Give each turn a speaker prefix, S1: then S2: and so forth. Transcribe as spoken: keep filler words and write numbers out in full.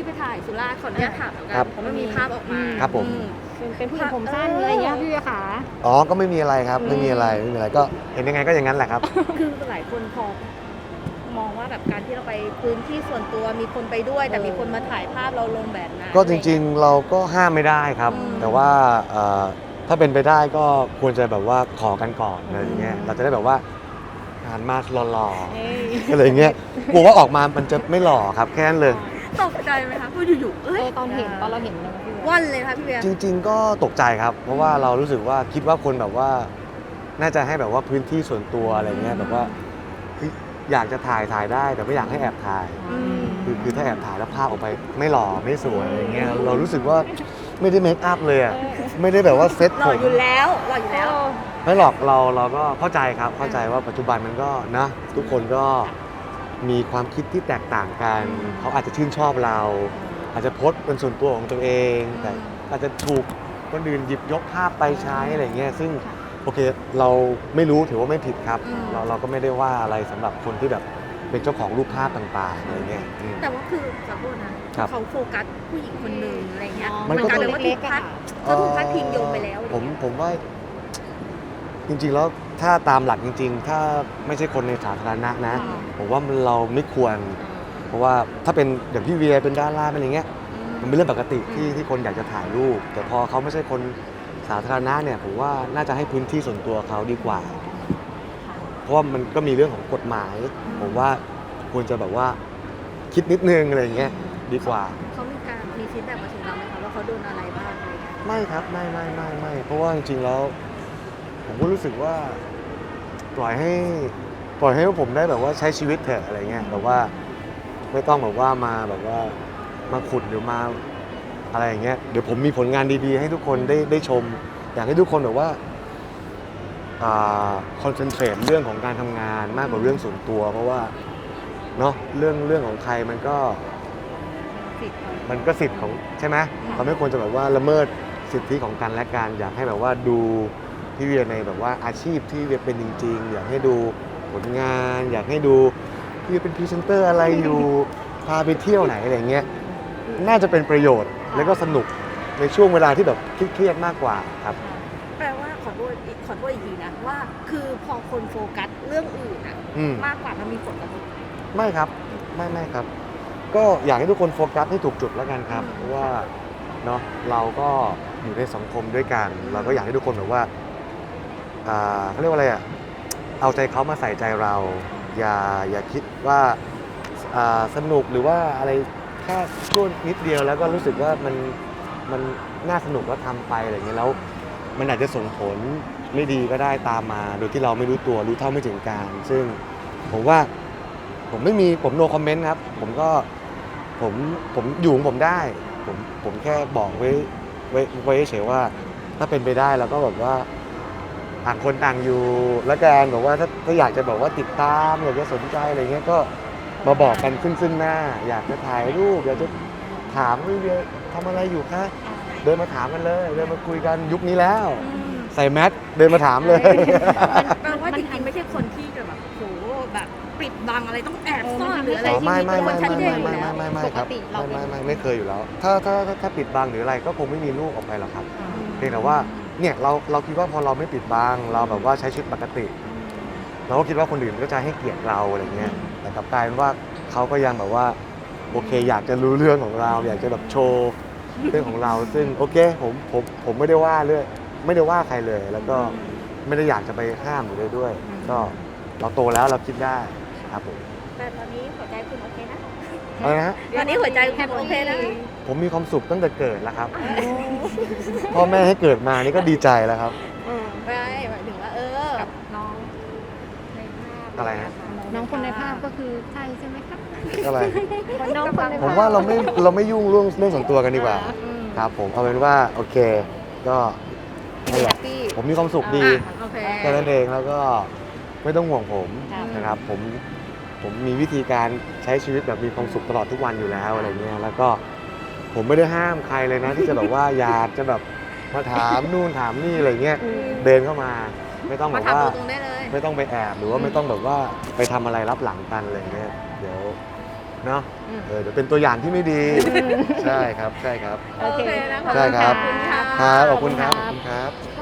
S1: ที่ไปถ่ายสุราษฎร์ขออนุญาตถามแล้วกันเพราะมันมีภาพออกมา
S2: ครับผม
S3: เป็นผู้หญิงผมสั้นอะไรเงี้ยพี่เวียขา
S2: อ๋อก็ไม่มีอะไรครับไม่มีอะไรไม่มีอะไรก็เห็นยังไงก็อย่างนั้นแหละครับ
S1: คือหลายคนพอมองว่าแบบการที่เราไปพื้นที่ส่วนตัวมีคนไปด้วย แต่มีคนมาถ่ายภาพเราลงแบบนั้น
S2: ก็จริงๆเราก็ห้ามไม่ได้ครับ
S1: อืม
S2: แต่ว่าเอ่อถ้าเป็นไปได้ก็ควรจะแบบว่าขอกันก่อนอะไรอย่างเงี้ยเราจะได้แบบว่าหันมาหล่อ
S3: เอ้ย
S2: ๆอะไรอย่างเงี้ยกลัวว่าออกมามันจะไม่หล่อครับแค่นั้นเลย
S1: ตกใจไหมคะพูดอยู่ๆ
S3: เอ
S1: เอ้ย
S3: อตอนเห็นตอนเราเห็นเลยพี่เวีย
S1: วันเลยค่ะพี่เบียร์
S2: จริง ๆ ก็ตกใจครับ เพราะว่าเรารู้สึกว่าคิดว่าคนแบบว่า น่าจะให้แบบว่าพื้นที่ส่วนตัวอะไรเงี้ยแบบว่าเฮ้ยอยากจะถ่ายถ่ายได้แต่ไม่อยากให้แอบถ่าย
S1: อืม
S2: คือคือถ้าแอบถ่ายแล้วภาพออกไปไม่หล่อไม่สวยอะไรเงี้ยเรารู้สึกว่าไม่ได้เมคอัพเลยอะไม่ได้แบบว่าเซ็ต
S1: หล่
S2: ผ
S1: อ
S2: ม
S1: อยู่แล้วหล่ออยู่แล้ว
S2: ไม่หรอกเราเราก็เข้าใจครับเข้าใจว่าปัจจุบันมันก็นะทุกคนก็มีความคิดที่แตกต่างกันเขาอาจจะชื่นชอบเรา อาจจะโพสต์เป็นส่วนตัวของตัวเอง แต่อาจจะถูกคนอื่นหยิบยกภาพไปใช้อะไรเงี้ยซึ่งโอเคเราไม่รู้ถือว่าไม่ผิดครับ
S1: อืม
S2: เราเราก็ไม่ได้ว่าอะไรสำหรับคนที่แบบเป็นเจ้าของรูปภาพต่างๆอะไรเงี้ยอืม
S1: แต่ว่าคือขอโทษนะครับ เขาโฟกัสผู้หญิงคนหนึ่งอะไรเงี้ย
S2: มันก็
S1: กลายเป็นว่าถูกพัดเขาถูกพัดพิงโยงไปแล้ว
S2: ผมผมว่าจริงๆแล้วถ้าตามหลักจริง ๆ ถ้าไม่ใช่คนในสาธารณะนะ ผมว่ามันเราไม่ควร เพราะว่าถ้าเป็นอย่างพี่เวียเป็นดาราเป็นอย่างเงี้ยมันเป็นเรื่องปกติที่ที่คนอยากจะถ่ายรูป แต่พอเขาไม่ใช่คนสาธารณะเนี่ยผมว่าน่าจะให้พื้นที่ส่วนตัวเขาดีกว่า เพราะว่ามันก็มีเรื่องของกฎหมาย ผมว่าควรจะแบบว่าคิดนิดนึงอะไรอย่างเงี้ยดีกว่า
S1: เขามีการมีฟีดแบ็กมาถึงเราไหมคะว่าเขาโดนอะไรบ้างอะไรเงี้ย
S2: ไม่ครับไม่ไม่ไม่ไม่เพราะว่าจริงๆแล้ว ผมก็รู้สึกว่าปล่อยให้ปล่อยให้ผมได้แบบว่าใช้ชีวิตเถอะอะไรเงี้ยแบบว่าไม่ต้องแบบว่ามาแบบว่ามาขุดหรือมาอะไรอย่างเงี้ยเดี๋ยวผมมีผลงานดีๆ ให้ทุกคนได้ได้ชม อยากให้ทุกคนแบบว่าคอนเซนเทรตเรื่องของการทำงานมากกว่าเรื่องส่วนตัว เพราะว่าเนาะเรื่องเรื่องของใครมันก็
S1: สิทธิ์เขา
S2: มันก็สิทธิ์ของใช่ไหมเราไม่ควรจะแบบว่าละเมิดสิทธิของกันและกันอยากให้แบบว่าดูพี่เวียในแบบว่าอาชีพที่เวียเป็นจริงๆ อยากให้ดูผลงาน อยากให้ดูพี่เวียเป็นพรีเซนเตอร์อะไรอยู่พาไปเที่ยวไหนอะไรเงี้ยน่าจะเป็นประโยชน์แล้วก็สนุกในช่วงเวลาที่แบบเครียดๆมากกว่าครับ
S1: แปลว่าขอโทษอีกขอโทษอีกทีนะว่าคือพอคนโฟกัสเรื่องอื่นอะ
S2: อืม
S1: มากกว่ามันมีผลกระทบ
S2: ไม่ครับไม่ไม่ครับ ก็อยากให้ทุกคนโฟกัสให้ถูกจุดแล้วกันครับเพราะว่าเนาะเราก็อยู่ในสังคมด้วยกัน เราก็อยากให้ทุกคนแบบว่าอ่าเขาเรียกว่าอะไรอ่ะเอาใจเขามาใส่ใจเรา อย่าอย่าคิดว่าอ่าสนุกหรือว่าอะไรแค่ช่วงนิดเดียวแล้วก็รู้สึกว่ามันมันน่าสนุกแล้วทำไปอะไรอย่างเงี้ยแล้วมันอาจจะส่งผลไม่ดีก็ได้ตามมา โดยที่เราไม่รู้ตัวรู้เท่าไม่ถึงการ ซึ่งผมว่า ผมไม่มีผมโนคอมเมนต์ครับ ผมก็ผมผมอยู่ของผมได้ ผมผมแค่บอกไว้ไว้ไว้เฉยๆว่า ถ้าเป็นไปได้เราก็แบบว่าต่างคนต่างอยู่แล้วกันบอกว่าถ้าถ้าอยากจะบอกว่าติดตามอยากจะสนใจอะไรเงี้ยก็มาบอกกันซึ่งซึ่งหน้า อยากจะถ่ายรูปอยากจะถามว่าเวียทำอะไรอยู่คะเดินมาถามกันเลยเดินมาคุยกันยุคนี้แล้ว ใส่แมสเดินมาถามเลย
S1: แปลว่าจริงๆไม่ใช่คนที่จะแบบโหแบบปิดบังอะไรต้องแอบซ่อนหรืออะไร
S2: อ๋อ
S1: ที่
S2: ไม่
S1: มี
S2: ไม่
S1: ตัว
S2: ไม่
S1: ชัด
S2: ไม่
S1: เจน
S2: ไม่
S1: อยู่
S2: ไม่
S1: แล้ว
S2: ไม่ไม่ครับไม่ไม่ไม่ไม่เคยอยู่แล้ว ถ้าถ้าถ้าปิดบังหรืออะไรก็คงไม่มีลูกออกไปหรอกครับเพียงแต่ว่าเนี่ยเราเราคิดว่าพอเราไม่ปิดบังเราแบบว่าใช้ชีวิตปกติ เราก็คิดว่าคนอื่นก็จะให้เกียรติเราอะไรเงี้ยแต่กลับกลายเป็นว่าเขาก็ยังแบบว่าโอเคอยากจะรู้เรื่องของเรา อยากจะแบบโชว์เรื่องของเรา ซึ่งโอเคผมผมผมไม่ได้ว่าเรื่องไม่ได้ว่าใครเลย แล้วก็ไม่ได้อยากจะไปห้ามหรืออะไรด้วย ก็เราโตแล้วเราคิดได้ครับผม
S1: แต่ตอนนี้หัวใจคุณโอเคนะ
S2: อะไรนะฮะ
S1: ตอนนี้หัวใจคุณโอเคนะ
S2: ผมมีความสุขตั้งแต่เกิดแล้วครับ พ่อแม่ให้เกิดมานี่ก็ดีใจแล้วครับ
S1: ไม่หมายถึงว่าเออ
S3: กับน้องในภาพ
S2: อะไรฮะ
S3: น้องคนในภาพก็คือใช่ใช่ไหมครับ
S2: อะไร
S3: น้องคนในภาพ
S2: ผมว่าเราไม่เราไม่ยุ่งเรื่องเรื่องส่วนตัวกันดีกว่า
S1: อืม
S2: ครับผมเอาเป็นว่าโอเค ก็นั่นแห
S3: แฮ
S2: ละ
S3: ปปี้
S2: ผมมีความสุขดี
S1: อ่ะโอเค
S2: แค่นั้นเองแล้วก็ไม่ต้องห่วงผม
S3: ครับ
S2: นะครับ ผมผมมีวิธีการใช้ชีวิตแบบมีความสุขตลอดทุกวันอยู่แล้วอะไรเงี้ยแล้วก็ผมไม่ได้ห้ามใครเลยนะ ที่จะแบบว่าอยากจะแบบมาถามนู่นถามนี่อะไรเงี้ยเดินเข้ามา ไม่ต้องแบ
S1: มา
S2: บ
S1: ถาม
S2: ว่า
S1: ตรงๆได้เลย
S2: ไม่ต้องไปแอบหรือว่าไม่ต้องแบบว่าไปทำอะไรรับหลังกันอะไรเงี้ยเดี๋ยวเนาะ
S3: อืม
S2: เออเดี๋ยวเป็นตัวอย่างที่ไม่ดี ใช่ครับใช่ครับ
S3: โอเค
S1: นะคะ
S2: ใช่ครับ
S1: ขอบคุณค่ะ
S2: ครับขอบคุณครับขอบคุณครับ